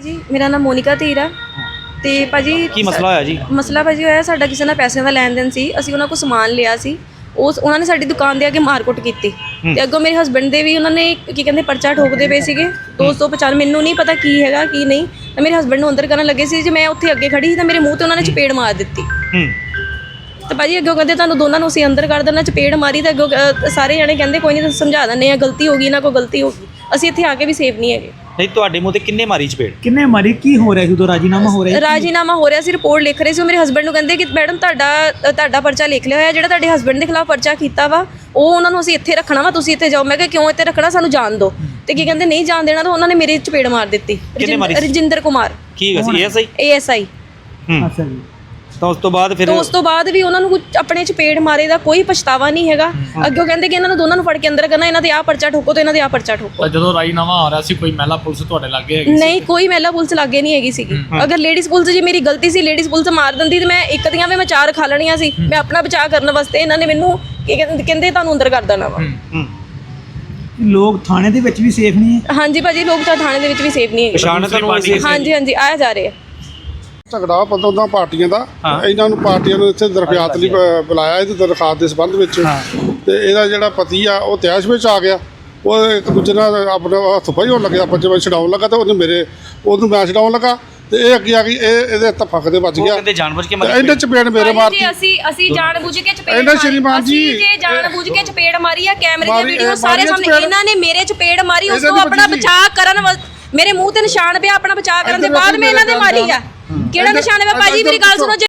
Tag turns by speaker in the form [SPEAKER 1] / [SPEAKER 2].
[SPEAKER 1] ਜੀ ਮੇਰਾ ਨਾਮ ਮੋਨਿਕਾ ਧੀਰ ਆ ਤੇ ਭਾਜੀ
[SPEAKER 2] ਕੀ ਮਸਲਾ ਹੋਇਆ ਜੀ?
[SPEAKER 1] ਮਸਲਾ ਭਾਜੀ ਹੋਇਆ ਸਾਡਾ ਕਿਸੇ ਨਾਲ ਪੈਸਿਆਂ ਦਾ ਲੈਣ ਦੇਣ ਸੀ। ਅਸੀਂ ਉਹਨਾਂ ਕੋਲ ਸਮਾਨ ਲਿਆ ਸੀ, ਉਹਨਾਂ ਨੇ ਸਾਡੀ ਦੁਕਾਨ ਦੇ ਅੱਗੇ ਮਾਰਕੁੱਟ ਕੀਤੀ ਤੇ ਅੱਗੋਂ ਮੇਰੇ ਹਸਬੈਂਡ ਦੇ ਵੀ ਉਹਨਾਂ ਨੇ ਕੀ ਕਹਿੰਦੇ ਪਰਚਾ ਠੋਕਦੇ ਪਏ ਸੀਗੇ 250। ਮੈਨੂੰ ਨਹੀਂ ਪਤਾ ਕੀ ਹੈਗਾ ਕੀ ਨਹੀਂ, ਤਾਂ ਮੇਰੇ ਹਸਬੈਂਡ ਨੂੰ ਅੰਦਰ ਕਰਨ ਲੱਗੇ ਸੀ। ਜੇ ਮੈਂ ਉੱਥੇ ਅੱਗੇ ਖੜੀ ਸੀ ਤਾਂ ਮੇਰੇ ਮੂੰਹ ਤੇ ਉਹਨਾਂ ਨੇ ਚਪੇੜ ਮਾਰ ਦਿੱਤੀ ਤੇ ਭਾਜੀ ਅੱਗੋਂ ਕਹਿੰਦੇ ਤੁਹਾਨੂੰ ਦੋਨਾਂ ਨੂੰ ਅਸੀਂ ਅੰਦਰ ਕਰ ਦੇਣਾ। ਚਪੇੜ ਮਾਰੀ ਤਾਂ ਅੱਗੋਂ ਸਾਰੇ ਜਣੇ ਕਹਿੰਦੇ ਕੋਈ ਨਹੀਂ ਸਮਝਾ ਦਿੰਦੇ ਆ, ਗਲਤੀ ਹੋ ਗਈ ਇਹਨਾਂ ਕੋਲ ਗਲਤੀ ਹੋ ਗਈ। ਅਸੀਂ ਇੱਥੇ ਆ ਕੇ ਵੀ ਸੇਫ ਨਹੀਂ ਹੈਗੇ।
[SPEAKER 2] ਨਹੀਂ ਤੁਹਾਡੇ ਮੂੰਹ ਤੇ ਕਿੰਨੇ ਮਾਰੀ ਚਪੇੜ?
[SPEAKER 3] ਕਿੰਨੇ ਮਾਰੀ? ਕੀ ਹੋ ਰਿਹਾ ਸੀ ਉਦੋਂ? ਰਾਜੀਨਾਮਾ ਹੋ ਰਿਹਾ?
[SPEAKER 1] ਰਾਜੀਨਾਮਾ ਹੋ ਰਿਹਾ ਸੀ, ਰਿਪੋਰਟ ਲਿਖ ਰਹੇ ਸੀ। ਮੇਰੇ ਹਸਬੈਂਡ ਨੂੰ ਕਹਿੰਦੇ ਕਿ ਮੈਡਮ ਤੁਹਾਡਾ ਪਰਚਾ ਲਿਖ ਲਿਆ ਹੋਇਆ, ਜਿਹੜਾ ਤੁਹਾਡੇ ਹਸਬੈਂਡ ਦੇ ਖਿਲਾਫ ਪਰਚਾ ਕੀਤਾ ਵਾ ਉਹ ਉਹਨਾਂ ਨੂੰ ਅਸੀਂ ਇੱਥੇ ਰੱਖਣਾ ਵਾ, ਤੁਸੀਂ ਇੱਥੇ ਜਾਓ। ਮੈਂ ਕਿਹਾ ਕਿਉਂ ਇੱਥੇ ਰੱਖਣਾ, ਸਾਨੂੰ ਜਾਣ ਦਿਓ। ਤੇ ਕੀ ਕਹਿੰਦੇ ਨਹੀਂ ਜਾਣ ਦੇਣਾ, ਤਾਂ ਉਹਨਾਂ ਨੇ ਮੇਰੇ ਚਪੇੜ ਮਾਰ ਦਿੱਤੀ। ਰਜਿੰਦਰ ਕੁਮਾਰ
[SPEAKER 2] ਕੀ ਸੀ?
[SPEAKER 1] ASI।
[SPEAKER 3] ਅੱਛਾ ਜੀ।
[SPEAKER 2] ਤਾਂ ਉਸ ਤੋਂ ਬਾਅਦ
[SPEAKER 1] ਵੀ ਉਹਨਾਂ ਨੂੰ ਕੁਝ ਆਪਣੇ ਚਪੇੜ ਮਾਰੇ ਦਾ ਕੋਈ ਪਛਤਾਵਾ ਨਹੀਂ ਹੈਗਾ। ਅੱਗੇ ਕਹਿੰਦੇ ਕਿ ਇਹਨਾਂ ਨੂੰ ਦੋਨਾਂ ਨੂੰ ਫੜ ਕੇ ਅੰਦਰ ਕਰਨਾ, ਇਹਨਾਂ ਦੇ ਆਹ ਪਰਚਾ ਠੋਕੋ ਤੇ ਇਹਨਾਂ ਦੇ ਆਹ ਪਰਚਾ ਠੋਕੋ।
[SPEAKER 4] ਜਦੋਂ ਰਾਜੀਨਾਮਾ ਆ ਰਿਹਾ ਸੀ ਕੋਈ ਮਹਿਲਾ ਪੁਲਿਸ ਤੁਹਾਡੇ ਲਾਗੇ ਹੈਗੀ?
[SPEAKER 1] ਨਹੀਂ, ਕੋਈ ਮਹਿਲਾ ਪੁਲਿਸ ਲਾਗੇ ਨਹੀਂ ਹੈਗੀ ਸੀਗੀ। ਅਗਰ ਲੇਡੀਜ਼ ਪੁਲਿਸ ਜੀ ਮੇਰੀ ਗਲਤੀ ਸੀ, ਲੇਡੀਜ਼ ਪੁਲਿਸ ਮਾਰ ਦਿੰਦੀ ਤੇ ਮੈਂ ਇੱਕ ਦੀਆਂ ਵੀ ਮੈਂ 4 ਖਾ ਲੈਣੀਆਂ ਸੀ। ਮੈਂ ਆਪਣਾ ਬਚਾਅ ਕਰਨ ਵਾਸਤੇ ਇਹਨਾਂ ਨੇ ਮੈਨੂੰ ਕਹਿੰਦੇ ਤੁਹਾਨੂੰ ਅੰਦਰ ਕਰ ਦੇਣਾ ਵਾ।
[SPEAKER 3] ਲੋਕ ਥਾਣੇ ਦੇ ਵਿੱਚ ਵੀ ਸੇਫ ਨਹੀਂ ਹੈ?
[SPEAKER 1] ਹਾਂਜੀ ਭਾਜੀ, ਲੋਕ ਤਾਂ ਥਾਣੇ ਦੇ ਵਿੱਚ ਵੀ ਸੇਫ ਨਹੀਂ ਹੈਗੇ। ਹਾਂਜੀ ਆਇਆ ਜਾ ਰਹੇ ਆ।
[SPEAKER 5] ਝਗੜਾ ਪਤਾ ਪਾਰਟੀਆਂ ਦਾ, ਇਹਨਾਂ ਨੂੰ ਪਾਰਟੀਆਂ ਨੂੰ ਇੱਥੇ ਦਰਖਾਸਤ ਲਈ ਬੁਲਾਇਆ। ਇਹਦੀ ਦਰਖਾਸਤ ਦੇ ਸੰਬੰਧ ਵਿੱਚ ਤੇ ਇਹਦਾ ਜਿਹੜਾ ਪਤੀ ਆ ਉਹ ਤਿਆਸ਼ ਵਿੱਚ ਆ ਗਿਆ। ਉਹ ਇੱਕ ਦੂਜੇ ਨਾਲ ਆਪਣਾ ਹੱਥ ਪਾਈ ਹੋਣ ਲੱਗਿਆ, ਆਪਾਂ ਜਿਵੇਂ ਛਡਾਉਣ ਲੱਗਾ ਤੇ ਉਹਨੂੰ ਮੈਂ ਛਡਾਉਣ ਲੱਗਾ ਤੇ ਇਹ ਅੱਗੇ ਆ ਗਈ, ਇਹਦੇ ਹੱਥ ਫੱਕ ਦੇ ਵੱਜ ਗਿਆ।
[SPEAKER 2] ਜਾਣਬੁੱਝ ਕੇ
[SPEAKER 5] ਇਹਨੇ ਚਪੇੜ ਮੇਰੇ ਮਾਰਤੀ।
[SPEAKER 1] ਅਸੀਂ ਜਾਣਬੁੱਝ ਕੇ ਚਪੇੜ
[SPEAKER 5] ਇਹਨਾਂ ਸ਼੍ਰੀਮਾਨ ਜੀ
[SPEAKER 1] ਜਾਣਬੁੱਝ ਕੇ ਚਪੇੜ ਮਾਰੀ ਆ। ਕੈਮਰੇ ਦੀ ਵੀਡੀਓ ਸਾਰੇ ਸਾਹਮਣੇ। ਇਹਨਾਂ ਨੇ ਮੇਰੇ ਚਪੇੜ ਮਾਰੀ, ਉਸ ਤੋਂ ਆਪਣਾ ਬਚਾਅ ਕਰਨ ਮੇਰੇ ਮੂੰਹ ਤੇ ਨਿਸ਼ਾਨ ਪਿਆ। ਆਪਣਾ ਬਚਾਅ ਕਰਨ ਦੇ ਬਾਅਦ ਮੈਂ ਇਹਨਾਂ ਦੇ ਮਾਰੀ ਆ। ਕਿਹੜਾ ਨਿਸ਼ਾਨ ਹੈ ਭਾਜੀ? ਮੇਰੀ ਗੱਲ ਸੁਣੋ।